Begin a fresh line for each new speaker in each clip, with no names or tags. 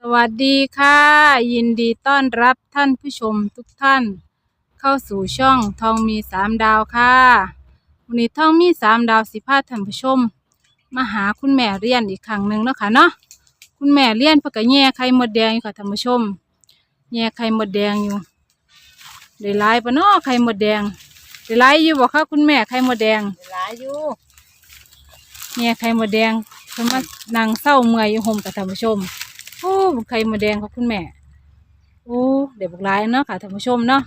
วัสดีค่ะยินดีต้อนรับท่านผู้ชมทุกท่านเข้าสู่ช่องทองมี3 ดาวค่ะวันนี้ทองมี3 ดาวสิพาท่านผู้ชมมาหาคุณแม่เรียนอีกครั้งหนึ่งเนาะค่ะเนาะคุณแม่เรียนเพื่อก็แย่ไข่มดแดงอยู่ค่ะท่านผู้ชมแย่ไข่มดแดงอยู่ได้หลายปะเนาะไข่มดแดงได้หลายอยู่บ่คะคุณแม่ไข่มดแดง
หลายอยู่
แย่ไข่มดแดงเพิ่นมานั่งเศร้าเมื่อยอยู่ห่มกับท่านผู้ชมโอ้ไข่มดแดงของคุณแม่โอ้เดี๋ยวบุกหลายเนาะค่ะท่านผู้ชมเนาะ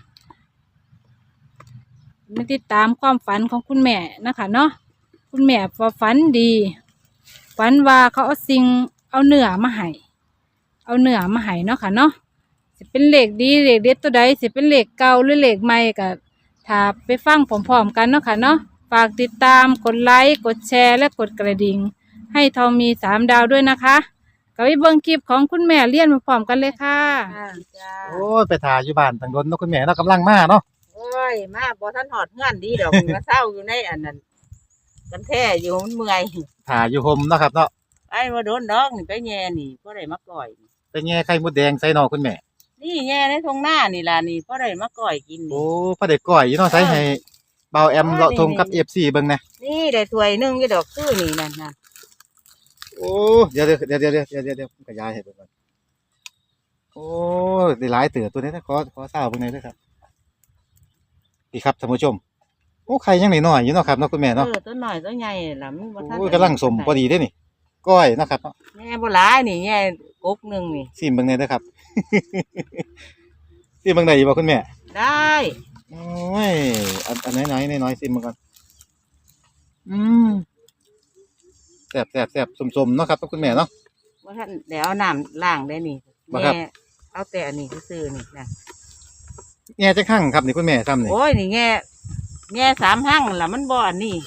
มาติดตามความฝันของคุณแม่นะคะเนาะคุณแม่ฝันดีฝันว่าเขาเอาเนื้อมาให้เนาะค่ะเนาะสิเป็นเลขดีเลขเด็ดตัวใดสิเป็นเลขเก่าหรือเลขใหม่ก็ถ้าไปฟังพร้อมๆกันเนาะค่ะเนาะฝากติดตามกดไลค์กดแชร์และกดกระดิ่งให้ทองมี3 ดาวด้วยนะคะก็ไปเบิ่งคลิปของคุณแม่เรียนพร้อมๆกันเลยค่ะ
จ้า
โอ้ยไปถ่ายอยู่บ้านทางโดนเนาะคุณแม่เนาะกำลังมาเนาะ
โอ้ยมาบ่ทันหอดเฮือนดีดอกมาเศร้าอยู่ในอันนั้นกันแท้อยู่มันเมื่อย
ถ่ายอยู่ห่มเนาะครับเนาะ
ไอ้มาโดนดอกนี่ไปแย่นี่บ่ได้มาก่อย
เป็นไงไข่มดแดงใส่เนาะคุณแม่
นี่แย่ในทงหน้านี่ล่ะนี่บ่ได้มาก่อยกิน
โอ้
นี่
พระเด็กก้อยอยู่เนาะใส่ให้เบาแอมเลาะทงกับ FC เบิ่งนะ
นี่ได้ถ้วยหนึงอยู่ดอกคือนี่นั่นน่ะ
โอ้เดี๋ยวผมขยายให้เบิ่งก่อนโอ้ได้หลายเตือตัวนี้นะขอทราบเบิ่งหน่อยเด้อครับนี่ครับท่านผู้ชมโอ้ไข่ยังน้อยๆอยู่เนาะครับเนาะคุณแม่เนาะ
ตัวน้อยตัวใหญ่ล่ะมันบ่ทัน
โอ้ยกำลังสมพอดีเด้นี่ก้อยเนาะครับเนาะ
แย่บ่หลายนี่แย่กกหนึงนี่
ซิมเบิ่งหน่อยเด้อครับ ซิมเบิ่งได้อยู่บ่คุณแม่
ได้
โอ้ยอันน้อยๆซิมเบิ่งก่อนอืมแซ่บสมๆเนาะครับคุณแม่เนาะ
บ่ทันได้เอาน้ำล้างได้นี่
บ่ครับ
แย่เอาแต่อันนี้ซื่อๆนี่นะ
แง่จักหั่งครับนี่คุณแม่ทำนี่
โอ้ยนี่แง่3 หั่งล่ะมันบ่อันนี้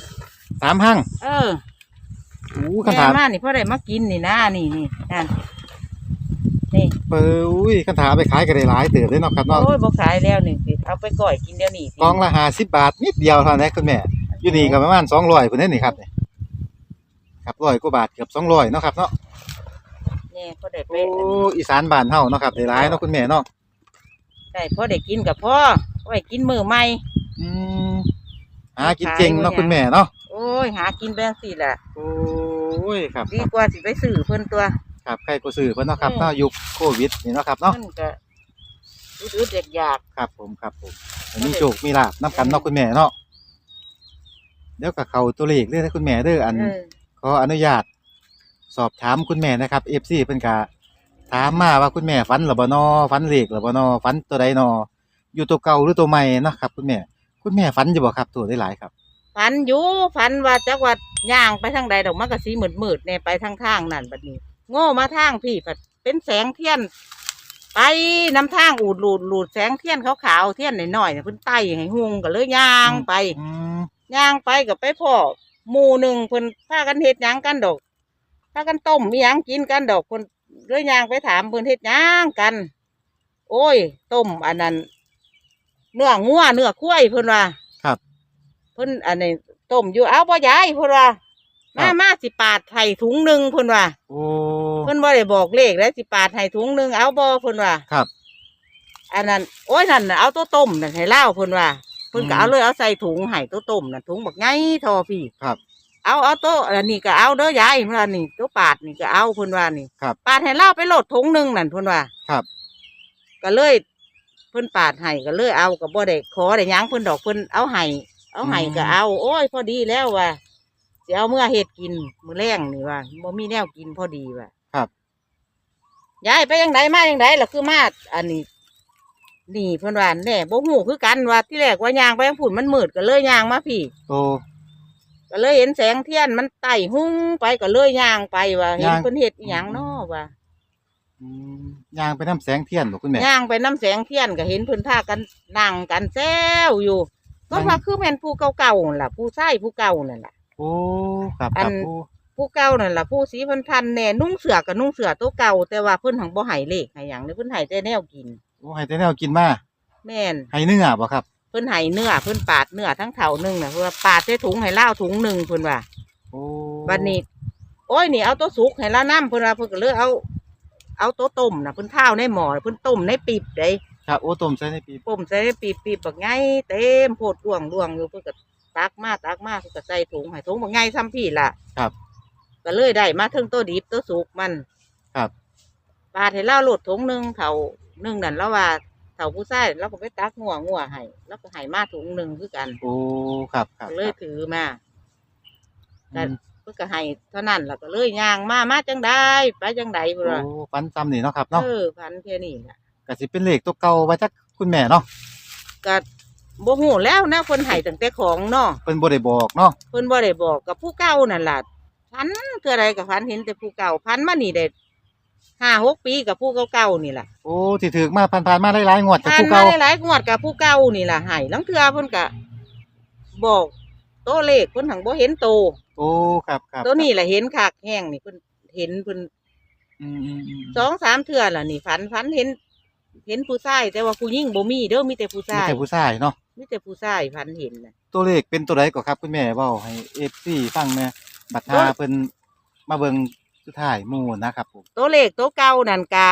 3 หั่งคัน
แง่
ถาม
มานี่พอได้มากินนี่นะนี่นั่นนี่
เปิ้อุ้ยคันถามไปขายก็ได้หลายเติบเด้เนาะครับเนาะ
โอ้ยบ่ขายแล้วนี่สิเอาไปก่อยกินเดี๋ยวนี้
กล่องละ50 บาทนิดเดียวเท่านั้นคุณแม่อยู่นี่ก็ประมาณ200พุ่นเด้นี่ครับนี่ครับ100 กว่าบาทเกือบ200เนาะครับเนาะ
แน่พอได้ไป
โอ้อีสานบ้านเฮาเนาะครับได้หลายเนาะคุณแม่เนาะ
ได้พอได้กินกับพ่อไว้กินมื้อใหม่
อืมหากินเก่งเนาะคุณแม่เนาะ
โอ้ยหากินไปจังซี่ล่ะ
โอ้ยครับ
ดีกว่าสิไปซื้อเพิ่นตัว
ครับใครก็ซื้อเพิ่นเนาะครับเนาะยุคโควิดนี่เนาะครับเนาะ
มันก็อึดๆอยาก
ครับผมมีโชคมีลาภนำกันเนาะคุณแม่เนาะเดี๋ยวก็เข้าตัวเลขเลยนะคุณแม่เด้อขออนุญาตสอบถามคุณแม่นะครับ FC เพิ่นก็ถามมาว่าคุณแม่ฝันหรือบ่น้อฝันเลขหรือบ่น้อฝันตัวใดน้ออยู่ตัวเก่าหรือตัวใหม่เนาะครับคุณแม่ฝันอยู่บ่ครับตัวได้หลายครับ
ฝันอยู่ฝันว่าจักว่าย่างไปทางใดดอกมันก็สีมืดๆแน่ไปทางนั่นบัดนี้โง่มาทางพี่ผัดเป็นแสงเทียนไปนำทางอูดหลุดแสงเทียนขาวๆเทียนหน่อยๆเพิ่นไต่ให้หุงก็เลยย่างไปกับไปพ่อหมู่หนึ่งเพิ่นพากันเฮ็ดหยังกันดอกพากันต้มมีหยังกินกันดอกเพิ่นเลยย่างไปถามเพิ่นเฮ็ดหยังกัน โอ้ยต้มอันนั้นเนื้องัวเนื้อควายเพิ่นว่า
ครับ
เพิ่นอันนี้ต้มอยู่เอาบ่ยายเพิ่นว่ามาสิปาดไห้ถุงหนึ่งเพิ่นว่า
โอ้
เพิ่นบ่ได้บอกเลขแล้วสิปาดไห้ถุงหนึ่งเอาบ่เพิ่นว่า
ครับ
อันนั้นโอ้ยนั่นเอาตัวต้มนั่นให้เล่าเพิ่นว่าเพิ่นก็เอาเลยเอาใส่ถุงให้ตัวต้มนั่นถุงบักไงทอพี่
ครับ
เอาตัวอันนี้ก็เอาเด้อยายเพิ่นว่านี่ตัวปาดนี่ก็เอาเพิ่นว่านี่
ครับ
ปาดให้เล่าไปโหลดถุงหนึ่งนั่นเพิ่นว่า
ครับ
ก็เลยเพิ่นปาดให้ก็เลยเอาก็บ่ได้ขอได้หยังเพิ่นดอกเพิ่นเอาให้ก็เอาโอ้ยพอดีแล้วว่าสิเอาเมื่อเฮ็ดกินมื้อแรงนี่ว่าบ่มีแนวกินพอดีว่า
ครับ
ยายไปจังไดมาจังไดล่ะคือมาอันนี้นี่เพิ่นว่าแน่บ่ฮู้คือกันว่าที่แรกว่าย่างไปฝุ่นมันมืดก็เลยย่างมาพี่
โอ้
ก็เลยเห็นแสงเทียนมันไต่หุ้งไปก็เลยย่างไปว่าเห็นเพิ่นเฮ็ดอีหยังน้อว่า
ย่างไปน้ำแสงเทียนบ่คุณแม่
ย่างไปน้ำแสงเทียนก็เห็นเพิ่นพากันนั่งกันแซวอยู่ก็ว่าคือแม่นผู้เก่าๆนั่นล่ะผู้ชายผู้เก่านั่นล่ะ
โอ้ครับ
ผู้เก่านั่นล่ะผู้สีพันๆแน่นุ่งเสื้อก็นุ่งเสื้อตัวเก่าแต่ว่าเพิ่นหังบ่ให้เลขให้หยังเด้เพิ่นให้แต่แนวกิน
โอ้ให้แต่แนวกินมา
แม่น
ให้เนื้อบ่ครับ
เพิ่นให้เนื้อเพิ่นปาดเนื้อทั้งเท่านึงน่ะเพิ่นปาดใส่ถุงให้เล่าถุงนึงเพิ่นว่า
โอ้
บัดนี้โอ้ยนี่เอาตัวสุกให้ละน้ำเพิ่นว่าเพิ่นก็เลยเอาเอาโต๊ะต้มน่ะเพิ่นข้าวในหม้อเพิ่นต้มในปีบได้
ครับโอ้ต้มใส่ในปี
ต้มใส่ในปีบบักไงเต็มโพดดวงอยู่เพิ่นก็ตักมาเพิ่นก็ใส่ถุงให้ถุงบักไงซ้ำพี่ล่ะ
ครับ
ก็เลยได้มาเทั้งตัวดิบตัวสุกมัน
ครับ
ปาดให้เล่าโหลดถุงหนึงเท่านึงนั่นแล้วว่าเท่าผู้ชายแล้วก็ไปตักงัวให้แล้วก็ให้มาถุงหนึงคือกัน
โอ้ครับครับ
ก็เลยถือมา
อืม
เพิ่นก็ให้เท่านั้นแล้วก็เลยย่างมาจังได้ไปจังไดพุ่นว่า
โอ้ฟันซ้ำนี่เนาะครับเนาะ
พันแค่นี้ล่ะ
ก็สิเป็นเลขตัวเก่าไว้จักคุณแม่เนาะ
ก็บ่ฮู้แล้วนะเพิ่นให้ตั้งแต่ของเนาะ
เพิ่นบ่ได้บอกเนาะ
เพิ่นบ่ได้บอกกับผู้เก่านั่นล่ะพันคืออะไรกับพันเห็นแต่ผู้เก่าพันมานี่ได้5-6 ปีกับผู้เก่าๆนี่ล่ะ
โอ้ที่ถือมาผ่านๆมาหลายๆงวดกับ
พัน
ผู้
มา
เก่า
หลายๆงวดกับผู้เก่านี่ล่ะให้ลังเทื่อเพิ่นก็บอกโตวเลขเพิ่นหังบ่เห็นโต
โอ้ครับครับ
ตัวนี้ล่ะเห็นคักแห้งนี่เพิ่นเห็นเพิ่น
อืม
2-3 เทื่อล่ะนี่ฝันเห็นผู้ชายแต่ว่าผู้หญิงบ่มีเด้อมีแต่ผู้
มี
ชาย
แต่ผู้ชายเนาะ
มีแต่ผู้ชายฝันเห็นน่ะ
ตัวเลขเป็นตัวใดก็ครับคุณแม่เว้าให้ FC ฟังแหน่บัดหาเพิ่นมาเบิ่งสุดท้ายหมู่นะครับผม
ตัวเลขตัวเก่านั่นก็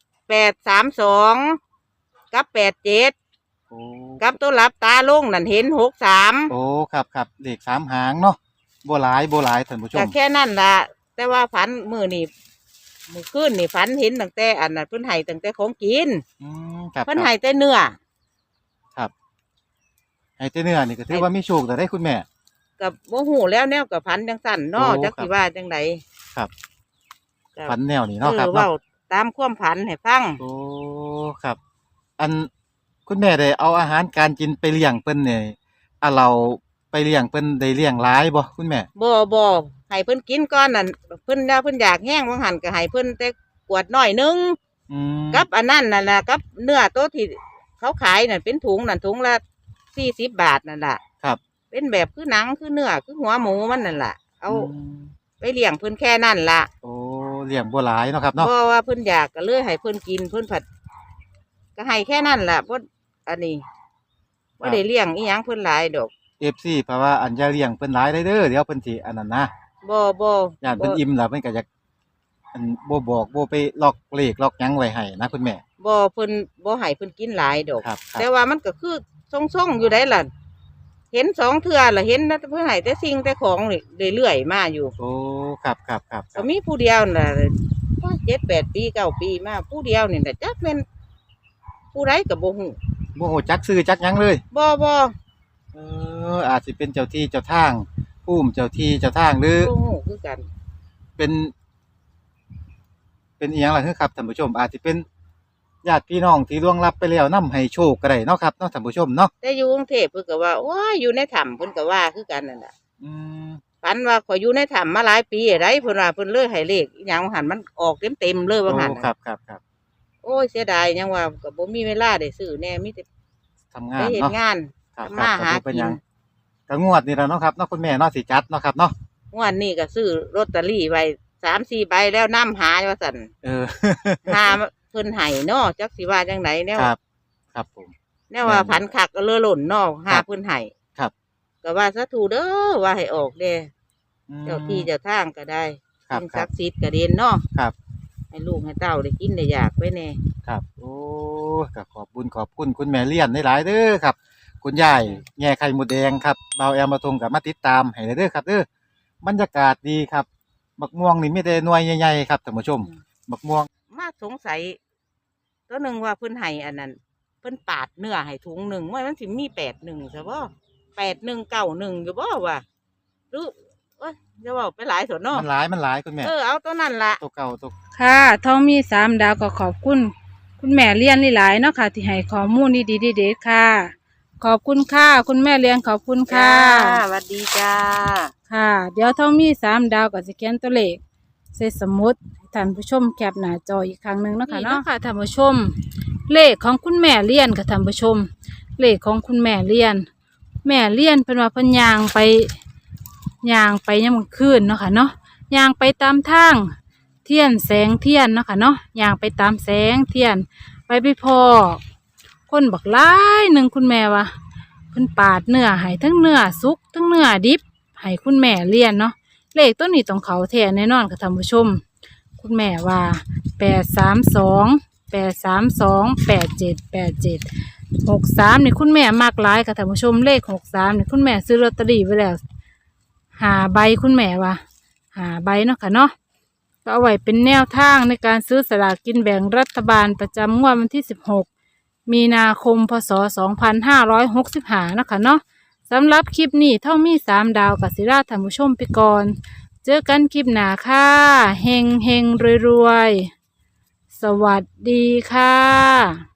832กับ87
โอ้
กับตัวหลับตาลงนั่นเห็น63
โอ้ครับครับเลข3หางเนาะบ่หลายท่านผู้ช
ก็
ม
แค่นั้นล่ะแต่ว่าฝันมื้อนี้มื้อคืนนี่ฝันเห็นตั้งแต่อันนั้นเพิ่นให้ตั้งแต่ของกิน
ครับ
เพิ่นให้แต่เนื้อ
ครับให้แต่เนื้อนี่ก็ถือว่ามีโชคแต่ได้คุณแม่
กับบ่ฮู้แล้วแนวกับฝันจังซั่นเนาะ
โอ้
จัก
ครับ
สิว่าจังได
ครับ
ก็
ฝันแนวนี้เนาะครับ
เว้า
เนาะ
ตามความฝันให้ฟัง
โอ้ครับ อันคุณแม่ได้เอาอาหารการกินไปเลี้ยงเพิ่นเนี่ยเราไปเลี้ยงเพิ่นได้เลี้ยงหลายบ่คุณแม่
บ่ให้เพิ่นกินก่อนนั่นเพิ่นเพิ่นอยากแห้งว่าหั่นก็ให้เพิ่นแต่กวดน้อยหนึง
อืม
กับอันนั้นน่ะนะกับเนื้อตัวที่เขาขายนั่นเป็นถุงนั่นถุงละ40 บาทนั่นล่ะ
ครับ
เป็นแบบคือหนังคือเนื้อคือหัวหมูมันนั่นล่ะเอา
ม
ไปเลี้ยงเพิ่นแค่นั้นล่ะ
โอ้เลี้ยงบ่หลายเนาะครับเนาะ
เพราะว่าเพิ่นอยากก็เลยให้เพิ่นกินเพิ่นผัดก็ให้แค่นั้นล่ะเพราะอันนี้ว่าได้เลี้ยงอีหยังเพิ่นหลายดอก
FC เพราะว่าอันอย่าเลี้ยงเพิ่นหลายเด้อเดี๋ยวเพิ่นสิอันนั้นนะ
บ่
ย่านเพิ่นอิ่มแล้วเพิ่นก็อยากอันบ่บอกบ่ไปล็อกเลขล็อกหยังไว้ให้นะคุณแม่
บ่เพิ่นบ่ให้เพิ่นกินหลายดอก
ครับครับ
แต่ว่ามันก็คือทรงๆอยู่ได้ล่ะ เห็น2 เทื่อล่ะเห็นนะเพิ่นให้แต่สิ่งแต่ของนี่เรื่อยๆมาอยู่
โอ้ครับครับครับค
ก็
รับ
มีผู้เดียวน่ะ7-8 ปี9 ปีมาผู้เดียวนี่น่ะจักแม่นผู้ใดก็บ่ฮู้
บ่ฮู้จักชื่อจักหยังเลย
บ่
อาจสิเป็นเจ้าที่เจ้าทางภูมิเจ้าที่เจ้าทางหรือ
บ่ฮู้คือกัน
เป็นอีหยังล่ะครับท่านผู้ชม อาจสิเป็นญาติพี่น้องที่ล่วงลับไปแล้วนำให้โชคก็ได้เนาะครับเนาะท่านผู้ชมเนาะ
แต่อยู่กรุงเทพเพิ่นก็ว่าโอ้ยอยู่ในถ้ำเพิ่นก็ว่าคือกันนั่นน่ะ
อืม
ฝันว่าข่อยอยู่ในถ้ำมาหลายปีอะไรเพิ่นว่าเพิ่นเลยให้เลขอีหยังว่าหันมันออกเต็มๆเลยว่าหัน
โอ้ครับครับครับ
โอ้ยเสียดายยังว่าก็บ่มีเวลาได้ซื้อแน่มีแต่
ทำงา
ไป
น
เฮ็ด
เนาะ
งาน
ครับ
ทำมาหา
ก็บ่เป็น
กิ
ห
น
ยังก็งวดนี่แหละเนาะครับเนาะคุณแม่เนาะสิจัดเนาะครับเนาะ
งวดนี้ก็ซื้อลอตเตอรี่ไว้3-4 ใบแล้วนำหาว่าซั่น
เออ
หาเพิ่นให้เนาะจักสิว่าจังไดแนว
ครับ ครับผม
แนวว่าพันคักก็เลอหล่นเนาะหา
ครับ
เพิ่นให้
ครับ
ก็ว่าสาธุเด้อว่าให้ออกเด้
อืม
เจ้าที่เจ้าทางก็ได้
ครับ
สิ่ง
ครั
ศั
บ
กดิ์สิทธิ์ก็เด่นเนาะ
ครับ
ให้ลูกให้เต้าได้กินได้อยากไว้แน่
ครับ โอ้ก็ขอบคุณคุณแม่เลี้ยนหลายๆเด้อครับ คุณยายแง่ไข่มดแดงครับเบาแอมมาทงกับมาติดตามให้เด้อครับเด้อบรรยากาศดีครับบักม่วงนี่มีแต่หน่วยใหญ่ๆครับท่านผู้ชมบักม่วง
มาสงสัยตัวหนึ่งว่าเพิ่นให้อันนั้นเพิ่นปาดเนื้อให้ถุงหนึ่งว่ามันสิมี81ใช่บ่8191อยู่บ่วะหรือเอ้ยจะเว้าไปหลายส่วนเนาะ
มันหลายคุณแม่
เอาตัวนั้นล่ะ
ตัวเก่าตัว
ค่ะทองมี3 ดาวก็ขอบคุณ คุณแม่เลี้ยนหลายๆเนาะค่ะ ที่ให้ข้อมูลดีๆเด็ดๆค่ะ ขอบคุณค่ะ คุณแม่เลี้ยงขอบคุณค่ะ
สวัสดีจ้า
ค่ะ เดี๋ยวทองมี3 ดาวก็จะเขียนตัวเลขใส่สมุดให้ท่านผู้ชมแคปหน้าจออีกครั้งหนึ่งเนาะค่ะเนาะค่ะท่านผู้ชม เลขของคุณแม่เลี้ยนค่ะท่านผู้ชม เลขของคุณแม่เลี้ยน แม่เลี้ยนเป็นว่าเพิ่นย่างไปยามมื้อคืนเนาะค่ะเนาะย่างไปตามทางเทียนแสงเทียนเนาะค่ะเนาะย่างไปตามแสงเทียนไปพอคนบักหลายหนึ่งคุณแม่ว่าเพิ่นปาดเนื้อให้ทั้งเนื้อสุกทั้งเนื้อดิบให้คุณแม่เลี้ยนเนาะเลขตัวนี้ต้องเขาแท้แน่นอนค่ะท่านผู้ชม คคุณแม่ว่า832 832 8787 63นี่คุณแม่มักหลายค่ะท่านผู้ชมเลข63นี่คุณแม่ซื้อลอตเตอรี่ไว้แล้ว5 ใบคุณแม่ว่า5 ใบเนาะค่ะเนาะก็เอาไว้เป็นแนวทางในการซื้อสลากกินแบ่งรัฐบาลประจำงวดวันที่16 มีนาคมพศ2565นะคะเนาะสำหรับคลิปนี้เท่ามี3 ดาวกับศิราท่านผู้ชมไปก่อนเจอกันคลิปหน้าค่ะเฮงเฮงรวยๆสวัสดีค่ะ